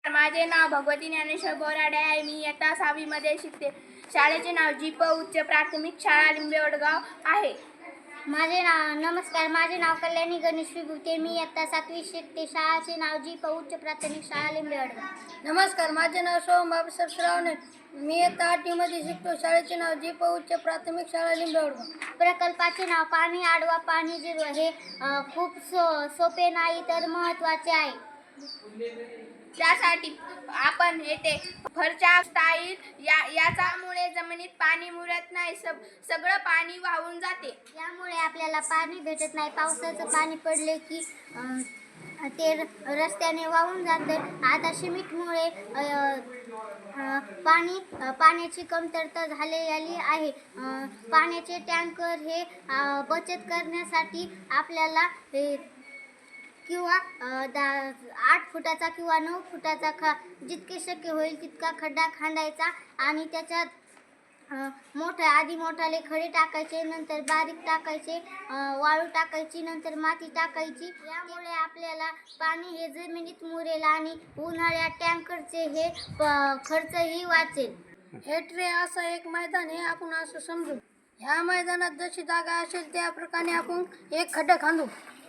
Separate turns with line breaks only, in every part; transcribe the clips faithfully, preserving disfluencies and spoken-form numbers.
माझे नाव भगवती ज्ञानेश्वर बोराडे आहे. मी इयत्ता सहावीमध्ये शिकते. शाळेचे नाव जी प उच्च प्राथमिक शाळा लिंबेवडगाव आहे.
माझे नाव नमस्कार माझे नाव कल्याणी गणेश विभूते. मी इयत्ता सातवी शिकते. शाळेचे नाव जी प उच्च प्राथमिक शाळा लिंबेवडगाव.
नमस्कार माझे नाव सोहम बाबासाहेब श्रावणे. मी इयत्ता आठवीमध्ये शिकतो. शाळेचे नाव जी प उच्च प्राथमिक शाळा लिंबेवडगाव.
प्रकल्पाचे नाव पाणी अडवा पाणी जिरवा हे अ, खूप सो सोपे नाही तर महत्त्वाचे आहे.
त्यासाठी आपण येथे फरच्या स्टाईल या याच्यामुळे जमिनीत पाणी मुरत नाही, सब सगळं पाणी वाहून जाते.
यामुळे आपल्याला पाणी भेटत नाही. पावसाचं पाणी पडले की अ, ते रस्त्याने वाहून जातं. आता सिमेंटमुळे अ, अ, पाणी अ, पाण्याची कमतरता झालेली आहे. अ, पाण्याचे टँकर हे अ, बचत करण्यासाठी आपल्याला हे किंवा अ, दा आठ फुटाचा किंवा नऊ फुटाचा ख जितके शक्य होईल तितका खड्डा खांदायचा आणि त्याच्यात अ, मोठे आधी मोठाले खडे टाकायचे, नंतर बारीक टाकायचे, अ, वाळू टाकायची, नंतर माती टाकायची. यामुळे आपल्याला पाणी हे जमिनीत मुरेल आणि उन्हाळ्यात टँकरचे हे प- खर्चही वाचेल.
हे ट्रे असं एक मैदान हे आपण असं समजू. ह्या मैदानात जशी जागा असेल त्या प्रकारे आपण एक खड्डा खांदू.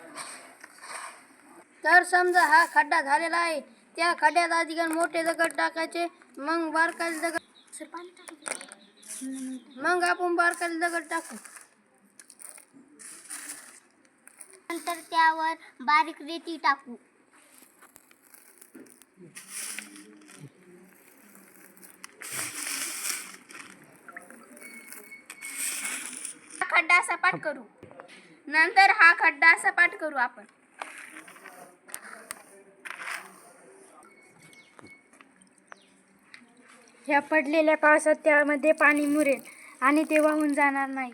तर समजा हा खड्डा झालेला आहे, त्या खड्ड्यात आधी मोठे दगड टाकायचे, मग बारकाले दगड मग आपण बारकाले दगड टाकू.
नंतर त्यावर बारीक रेती टाकू.
हा खड्डा सपाट करू. नंतर हा खड्डा सपाट करू आपण.
ह्या पडलेल्या पावसात त्यामध्ये पाणी मुरेल आणि ते वाहून जाणार नाही.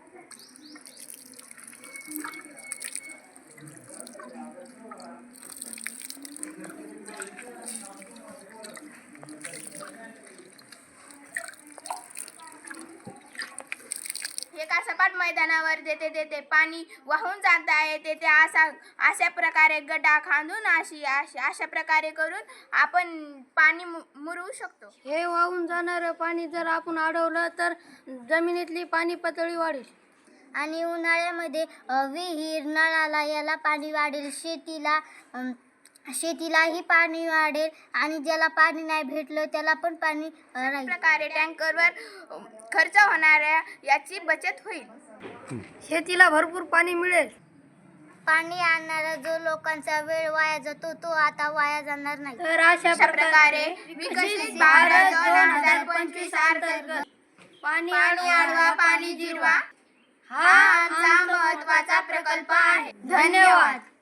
एका सपाट मैदानावर देते देते पाणी वाहून जात आहे. तेथे असा अशा प्रकारे गड्डा खांदून अशी अशा अशा प्रकारे करून आपण पाणी मु मुरवू शकतो.
हे वाहून जाणारं पाणी जर आपण अडवलं तर जमिनीतली पाणी पातळी वाढेल
आणि उन्हाळ्यामध्ये अ, विहीर नळाला याला पाणी वाढेल. शेतीला अम, शेतीलाही पाणी वाढेल आणि ज्याला पाणी नाही भेटलं त्याला पण पाणी अ, राहील.
प्रकारे टँकरवर अ, खर्च होणाऱ्या याची बचत होईल.
शेतीला भरपूर पाणी मिळेल.
पाणी आणणारा जो लोकांचा वेळ वाया जातो तो आता वाया जाणार नाही.
तर अशा
अशा प्रकारे विकसित भारत दोन हजार पंचवीस अंतर्गत
पाणी
पाणी अडवा पाणी जिरवा हा आमचा महत्त्वाचा प्रकल्प आहे. धन्यवाद.